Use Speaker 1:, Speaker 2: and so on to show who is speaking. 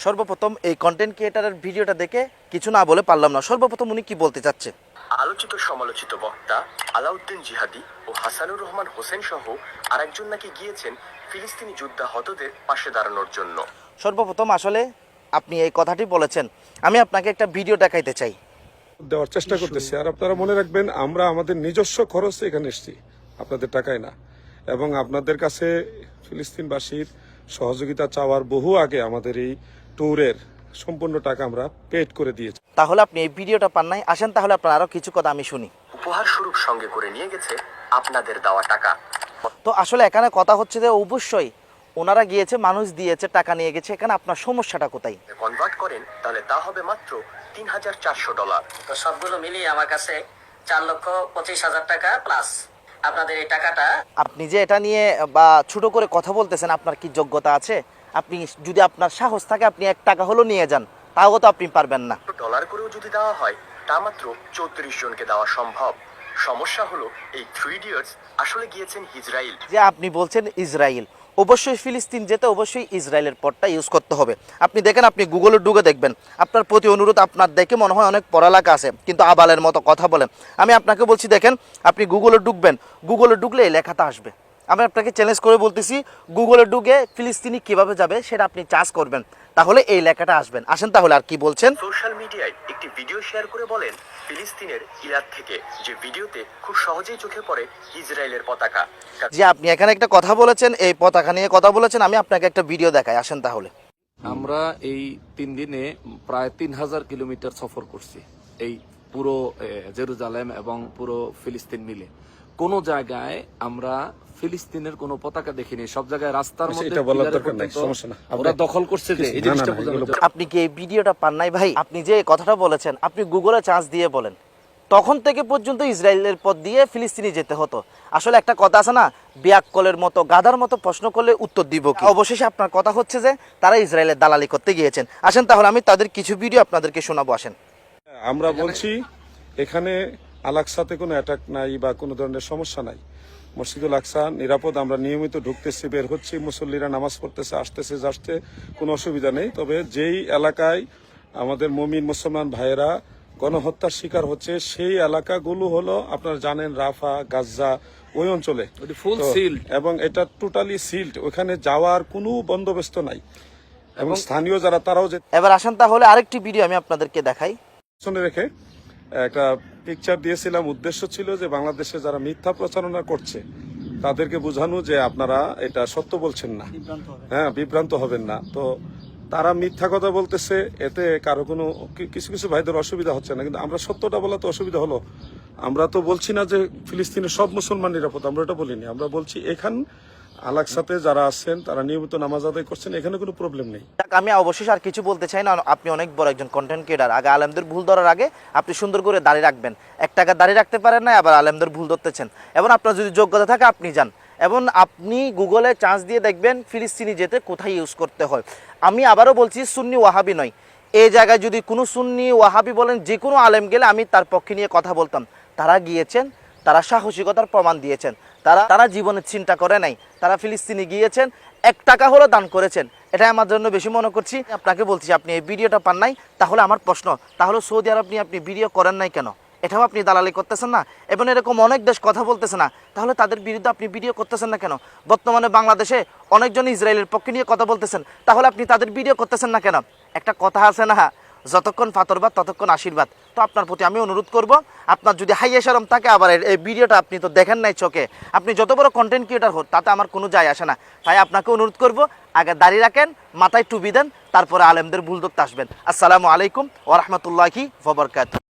Speaker 1: সর্বপ্রথম এই কন্টেন্ট ক্রিয়েটরের ভিডিওটা দেখে কিছু না বলে পারলাম না। সর্বপ্রথম উনি কি বলতে চাচ্ছে?
Speaker 2: আলোচিত সমালোচিত বক্তা আলাউদ্দিন জিহাদি ও হাসানুর রহমান হোসেন সহ আরেকজন নাকি গিয়েছেন ফিলিস্তিনি যোদ্ধাহতদের পাশে দাঁড়ানোর জন্য।
Speaker 1: সর্বপ্রথম আসলে আপনি এই কথাটি বলেছেন, আমি আপনাকে একটা ভিডিও দেখাইতে চাই।
Speaker 3: দেওয়ার চেষ্টা করতেছি। আর আপনারা মনে রাখবেন, আমরা আমাদের নিজস্ব খরচে এখানে এসেছি, আপনাদের টাকায় না। এবং আপনাদের কাছে ফিলিস্তিনবাসীর সহযোগিতা চাওয়ার বহু আগে আমাদের এই ট্যুরের সম্পূর্ণ টাকা আমরা পেড করে দিয়েছি।
Speaker 1: তাহলে আপনি এই ভিডিওটা পান নাই, আসেন তাহলে আপনার আরো কিছু কথা আমি শুনি।
Speaker 2: উপহার স্বরূপ সঙ্গে করে নিয়ে গেছে আপনাদের দেওয়া টাকা।
Speaker 1: তো আসলে এখানে কথা হচ্ছে যে অবশ্যই ওনারা গিয়েছে, মানুষ দিয়েছে, টাকা নিয়ে গেছে, এখানে আপনার সমস্যাটা কোথায়?
Speaker 2: কনভার্ট করেন তাহলে তা হবে মাত্র $3,400।
Speaker 4: তো সবগুলো মিলিয়ে আমার কাছে 4,25,000 টাকা প্লাস আপনাদের এই টাকাটা।
Speaker 1: আপনি যে এটা নিয়ে বা ছোট করে কথা বলতেছেন, আপনার কি যোগ্যতা আছে? আপনি যদি আপনার সাহস থাকে আপনি 1 টাকা হলো নিয়ে যান, তাও তো আপনি পারবেন না।
Speaker 2: ডলার করেও যদি দেওয়া হয় তা মাত্র 34 জনকে দেওয়া সম্ভব। সমস্যা হলো এই 3 ইডিয়টস আসলে গিয়েছেন ইসরায়েল।
Speaker 1: যে আপনি বলছেন ইসরায়েল, অবশ্যই ফিলিস্তিন যেতে অবশ্যই ইসরায়েলের পথটা ইউজ করতে হবে। আপনি দেখেন, আপনি গুগলে ঢুকে দেখবেন, আপনার প্রতি অনুরোধ, আপনার দেখে মনে হয় অনেক পড়ালেখা আছে কিন্তু আবালের মতো কথা বলেন। আমি আপনাকে বলছি, দেখেন আপনি গুগলে ঢুকবেন, গুগলে ঢুকলে এই লেখাটা আসবে। আমি আপনাকে চ্যালেঞ্জ করে বলতেছি, গুগলে ঢুকে ফিলিস্তিনি কিভাবে যাবে সেটা আপনি চার্জ করবেন, তাহলে এই লেখাটা আসবেন। আসেন তাহলে আর কি বলছেন।
Speaker 2: সোশ্যাল মিডিয়ায় একটি ভিডিও শেয়ার করে বলেন ফিলিস্তিনের ইরাক থেকে, যে ভিডিওতে খুব সহজেই চোখে পড়ে ইসরায়েলের পতাকা।
Speaker 1: যে আপনি এখানে একটা কথা বলেছেন, এই পতাকা নিয়ে কথা বলেছেন, আমি আপনাকে একটা ভিডিও দেখাই, আসেন তাহলে।
Speaker 5: আমরা এই 3 দিনে প্রায় 3,000 কিলোমিটার সফর করছি, এই পুরো জেরুজালেম এবং পুরো ফিলিস্তিন মিলে। কোন জায়গায় আমরা ফিলিস্তিনের কোনো পতাকা দেখিনি। সব জায়গায় রাস্তার মধ্যে
Speaker 3: এটা বলার দরকার নাই, সমস্যা না।
Speaker 5: ওরা দখল করছে যে এই জিনিসটা বোঝানোর জন্য।
Speaker 1: আপনি কি এই ভিডিওটা পান নাই ভাই? আপনি যে কথাটা বলেছেন, আপনি গুগলে চার্জ দিয়ে বলেন, তখন থেকে পর্যন্ত ইসরায়েলের পথ দিয়ে ফিলিস্তিনি যেতে হতো। আসলে একটা কথা আছে না, বিয়াক্কলের মতো গাধার মতো প্রশ্ন করলে উত্তর দিব কি? অবশেষে আপনার কথা হচ্ছে যে তারা ইসরায়েলের দালালি করতে গিয়েছেন। আসেন তাহলে আমি তাদের কিছু ভিডিও আপনাদেরকে শোনাবো, আসেন।
Speaker 3: আমরা বলছি এখানে আলাকসাতে কোনো অ্যাটাক নাই বা কোনো ধরনের সমস্যা নাই। মসজিদুল আকসা নিরাপদ, আমরা নিয়মিত ঢুকতেছি, বের হচ্ছি, মুসল্লিরা নামাজ পড়তেছে, আসতেছে, যাচ্ছে, কোনো অসুবিধা নেই। তবে যেই এলাকায় আমাদের মুমিন মুসলমান ভাইয়েরা গণহত্যার শিকার হচ্ছে সেই এলাকাগুলো হলো আপনারা জানেন রাফা, গাজ্জা, ওই অঞ্চলে
Speaker 5: ফুল সিল্ড,
Speaker 3: এবং এটা টোটালি সিল্ড, ওখানে যাওয়ার কোনো বন্দোবস্ত নাই। এবং স্থানীয় যারা তারাও যে
Speaker 1: এবার আসেন তাহলে আরেকটি ভিডিও আমি আপনাদেরকে দেখাই।
Speaker 3: শুনে রেখে একটা পিকচার দিয়েছিলাম, উদ্দেশ্য ছিল যে বাংলাদেশে যারা মিথ্যা প্রচারণা করছে তাদেরকে বোঝানো যে আপনারা এটা সত্য বলছেন না, হ্যাঁ, বিভ্রান্ত হবেন না। তো তারা মিথ্যা কথা বলতেছে, এতে কারো কোনো কিছু কিছু ভাইদের অসুবিধা হচ্ছে না, কিন্তু আমরা সত্যটা বলা তো অসুবিধা হলো। আমরা তো বলছি না যে ফিলিস্তিনের সব মুসলমান নিরাপদ, আমরা এটা বলিনি। আমরা বলছি এখান আলাকসাতে যারা আছেন তারা নিয়মিত নামাজ আদায় করছেন, এখানে কোনো প্রবলেম নেই।
Speaker 1: আমি অবশ্যই আর কিছু বলতে চাই না। আপনি অনেক বড় একজন কন্টেন্ট ক্রিয়েটার, আগে আলেমদের ভুল ধরার আগে আপনি সুন্দর করে দাঁড়িয়ে রাখবেন। 1 টাকা দাঁড়িয়ে রাখতে পারেন না, আবার আলেমদের ভুল ধরতেছেন। এবং আপনার যদি যোগ্যতা থাকে আপনি যান, এবং আপনি গুগলে চার্জ দিয়ে দেখবেন ফিলিস্তিনি যেতে কোথায় ইউজ করতে হয়। আমি আবারও বলছি, সুন্নি ওয়াহাবি নয়। এই জায়গায় যদি কোনো সুন্নি ওয়াহাবি বলেন, যে কোনো আলেম গেলে আমি তার পক্ষে নিয়ে কথা বলতাম। তারা গিয়েছেন, তারা সাহসিকতার প্রমাণ দিয়েছেন, তারা জীবনের চিন্তা করে নাই, তারা ফিলিস্তিনি গিয়েছেন, 1 টাকা হলো দান করেছেন। এটাই আমার জন্য বেশি মনে করছি। আপনাকে বলছি, আপনি এই ভিডিওটা পান নাই, তাহলে আমার প্রশ্ন, তাহলে সৌদি আরব নিয়ে আপনি ভিডিও করেন নাই কেন? এটাও আপনি দালালি করতেছেন না? এবং এরকম অনেক দেশ কথা বলতেছে না, তাহলে তাদের বিরুদ্ধে আপনি ভিডিও করতেছেন না কেন? বর্তমানে বাংলাদেশে অনেকজন ইসরায়েলের পক্ষে নিয়ে কথা বলতেছেন, তাহলে আপনি তাদের ভিডিও করতেছেন না কেন? একটা কথা আছে না, যতক্ষণ ফাতরবাদ ততক্ষণ আশীর্বাদ। তো আপনার প্রতি আমি অনুরোধ করব, আপনার যদি হাইয়া শরম থাকে, আবার এই ভিডিওটা আপনি তো দেখেন নাই চোখে, আপনি যত বড় কন্টেন্ট ক্রিয়েটার হোক তাতে আমার কোনো যায় আসে না। তাই আপনাকে অনুরোধ করব, আগে দাঁড়িয়ে রাখেন, মাথায় টুপি দেন, তারপরে আলেমদের ভুল ধরতে আসবেন। আসসালামু আলাইকুম ওয়া রাহমাতুল্লাহি ওয়া বারাকাতুহু।